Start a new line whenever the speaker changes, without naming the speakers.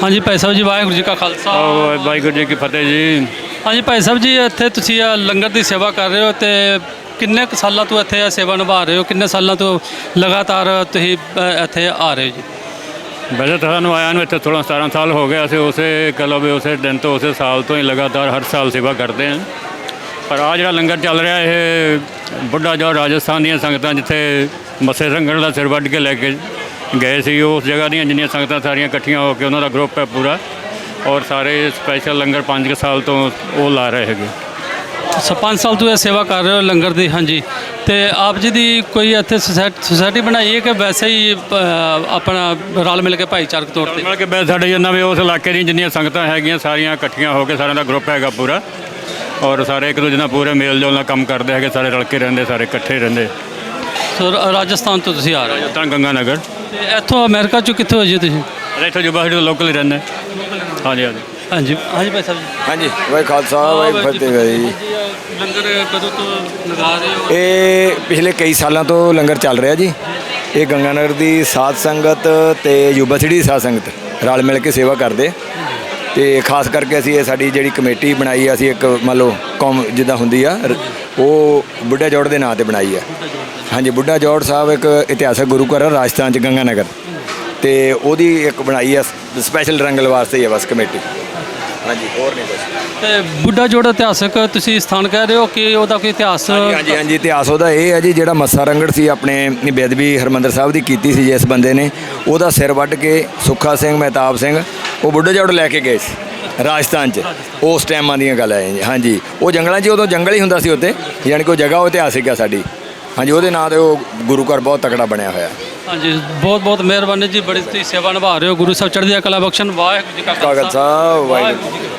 हाँ जी भाई साहब जी, वाहिगुरू जी का खालसा
वाहिगुरू जी की फतेह जी।
हाँ जी भाई साहब जी, ਇੱਥੇ ਤੁਸੀਂ ਲੰਗਰ ਦੀ ਸੇਵਾ ਕਰ ਰਹੇ ਹੋ ਤੇ ਕਿੰਨੇ ਕੁ ਸਾਲਾਂ ਤੋਂ ਇੱਥੇ ਸੇਵਾ ਨਿਭਾ ਰਹੇ ਹੋ? ਕਿੰਨੇ ਸਾਲਾਂ ਤੋਂ ਲਗਾਤਾਰ ਤੁਸੀਂ ਇੱਥੇ ਆ ਰਹੇ ਹੋ ਜੀ?
वैसे तो सानू आया इतने 16-17 साल हो गए। असं उस कह लो भी उस दिन तो उस साल तो ही लगातार हर साल सेवा करते हैं। पर आ जो लंगर चल रहा है ये बुढ़ा जो राजस्थान दी संगत जिथे मस्से संगण का सिर वढ़ के लैके गए सी, उस जगह दी जिन्नियां संगतां सारियां इकट्ठियां होकर उन्होंने ग्रुप है पूरा, और सारे स्पैशल लंगर 5 साल तो वो ला रहे हैं।
5 साल ਤੋਂ ਇਹ ਸੇਵਾ ਕਰ ਰਹੇ ਹੋ ਲੰਗਰ ਦੀ। ਹਾਂਜੀ, ਤੇ ਆਪ ਜੀ ਦੀ ਕੋਈ ਇੱਥੇ ਸੁਸਾਇਟੀ ਬਣਾਈ ਹੈ ਕਿ ਵੈਸੇ ਹੀ ਆਪਣਾ ਰਲ ਮਿਲ ਕੇ ਭਾਈਚਾਰਕ ਤੌਰ ਤੇ?
ਮਿਲ ਕੇ ਬੈ ਸਾਡੇ ਜਿੰਨਾ ਵੀ ਉਸ ਇਲਾਕੇ ਦੀਆਂ ਜਿੰਨੀਆਂ ਸੰਗਤਾਂ ਹੈਗੀਆਂ ਸਾਰੀਆਂ ਇਕੱਠੀਆਂ ਹੋ ਕੇ ਸਾਰਿਆਂ ਦਾ ਗਰੁੱਪ ਹੈਗਾ ਪੂਰਾ, ਔਰ ਸਾਰੇ ਇੱਕ ਦੂਜੇ ਨਾਲ ਪੂਰੇ ਮੇਲ ਜੋਲ ਨਾਲ ਕੰਮ ਕਰਦੇ ਹੈਗੇ, ਸਾਰੇ ਰਲ ਕੇ ਰਹਿੰਦੇ, ਸਾਰੇ ਇਕੱਠੇ ਰਹਿੰਦੇ।
ਸੋ ਰਾਜਸਥਾਨ ਤੋਂ ਤੁਸੀਂ ਆ ਰਹੇ ਹੋ?
ਰਾਜਸਥਾਨ ਗੰਗਾ ਨਗਰ।
ਤੇ ਇੱਥੋਂ ਅਮਰੀਕਾ ਚੋਂ ਕਿੱਥੋਂ ਹੋ ਜੀ ਤੁਸੀਂ?
ਇੱਥੋਂ ਜੁਬਾ ਤੋਂ ਲੋਕਲ ਹੀ ਰਹਿੰਦੇ। ਹਾਂਜੀ ਹਾਂਜੀ
ਹਾਂਜੀ ਹਾਂਜੀ ਭਾਈ ਸਾਹਿਬ ਜੀ।
ਹਾਂਜੀ ਵਾਹਿ ਖਾਲਸਾ ਵਾਹਿ ਫਤਿਹ ਜੀ।
ਲੰਗਰ ਕਦੋਂ ਤੋਂ ਲਗਾ ਰਹੇ ਹੋ?
ਇਹ ਪਿਛਲੇ ਕਈ ਸਾਲਾਂ ਤੋਂ ਲੰਗਰ ਚੱਲ ਰਿਹਾ ਜੀ। ਇਹ ਗੰਗਾ ਨਗਰ ਦੀ ਸਾਧ ਸੰਗਤ ਤੇ ਯੂਬਾ ਸਿਟੀ ਦੀ ਸਾਧ ਸੰਗਤ ਰਲ ਮਿਲ ਕੇ ਸੇਵਾ ਕਰਦੇ, ਤੇ ਖਾਸ ਕਰਕੇ ਅਸੀਂ ਇਹ ਸਾਡੀ ਜਿਹੜੀ ਕਮੇਟੀ ਬਣਾਈ ਆ, ਅਸੀਂ ਇੱਕ ਮੰਨ ਲਓ ਕੌਮ ਜਿੱਦਾਂ ਹੁੰਦੀ ਆ ਉਹ ਬੁੱਢਾ ਜੋੜ ਦੇ ਨਾਂ ਤੇ ਬਣਾਈ ਆ। ਹਾਂਜੀ, ਬੁੱਢਾ ਜੋੜ ਸਾਹਿਬ ਇੱਕ ਇਤਿਹਾਸਕ ਗੁਰੂ ਘਰ ਆ ਰਾਜਸਥਾਨ 'ਚ ਗੰਗਾ ਨਗਰ, ਤੇ ਉਹਦੀ ਇੱਕ ਬਣਾਈ ਆ ਸਪੈਸ਼ਲ ਰੰਗਲ ਵਾਸਤੇ ਹੀ ਆ ਬਸ ਕਮੇਟੀ। ਹਾਂਜੀ, ਹੋਰ ਨਹੀਂ ਕੁਛ।
ਤੇ ਬੁੱਢਾ ਜੋੜ ਇਤਿਹਾਸਕ ਤੁਸੀਂ ਸਥਾਨ ਕਹਿ ਰਹੇ ਹੋ ਕਿ ਉਹਦਾ ਕੋਈ ਇਤਿਹਾਸ?
ਹਾਂਜੀ ਹਾਂਜੀ, ਇਤਿਹਾਸ ਉਹਦਾ ਇਹ ਹੈ ਜੀ, ਜਿਹੜਾ ਮੱਸਾ ਰੰਗੜ ਸੀ ਆਪਣੇ ਬੇਅਦਬੀ ਹਰਿਮੰਦਰ ਸਾਹਿਬ ਦੀ ਕੀਤੀ ਸੀ ਜਿਸ ਬੰਦੇ ਨੇ, ਉਹਦਾ ਸਿਰ ਵੱਢ ਕੇ ਸੁੱਖਾ ਸਿੰਘ ਮਹਿਤਾਬ ਸਿੰਘ ਉਹ ਬੁੱਢਾ ਜੋੜ ਲੈ ਕੇ ਗਏ ਸੀ ਰਾਜਸਥਾਨ 'ਚ। ਉਸ ਟਾਈਮਾਂ ਦੀਆਂ ਗੱਲਾਂ ਹੈ ਜੀ। ਹਾਂਜੀ, ਉਹ ਜੰਗਲਾਂ 'ਚ ਉਦੋਂ ਜੰਗਲ ਹੀ ਹੁੰਦਾ ਸੀ ਉੱਥੇ, ਯਾਨੀ ਕਿ ਉਹ ਜਗ੍ਹਾ ਉਹ ਇਤਿਹਾਸਿਕ ਆ ਸਾਡੀ। ਹਾਂਜੀ, ਉਹਦੇ ਨਾਂ 'ਤੇ ਉਹ ਗੁਰੂ ਘਰ ਬਹੁਤ ਤਕੜਾ ਬਣਿਆ ਹੋਇਆ।
ਹਾਂਜੀ, ਬਹੁਤ ਬਹੁਤ ਮਿਹਰਬਾਨੀ ਜੀ, ਬੜੀ ਤੁਸੀਂ ਸੇਵਾ ਨਿਭਾ ਰਹੇ ਹੋ। ਗੁਰੂ ਸਾਹਿਬ ਚੜ੍ਹਦੀ ਕਲਾ ਬਖਸ਼ਣ। ਵਾਹਿਗੁਰੂ ਜੀ ਕਾ
ਖਾਲਸਾ ਵਾਹਿਗੁਰੂ।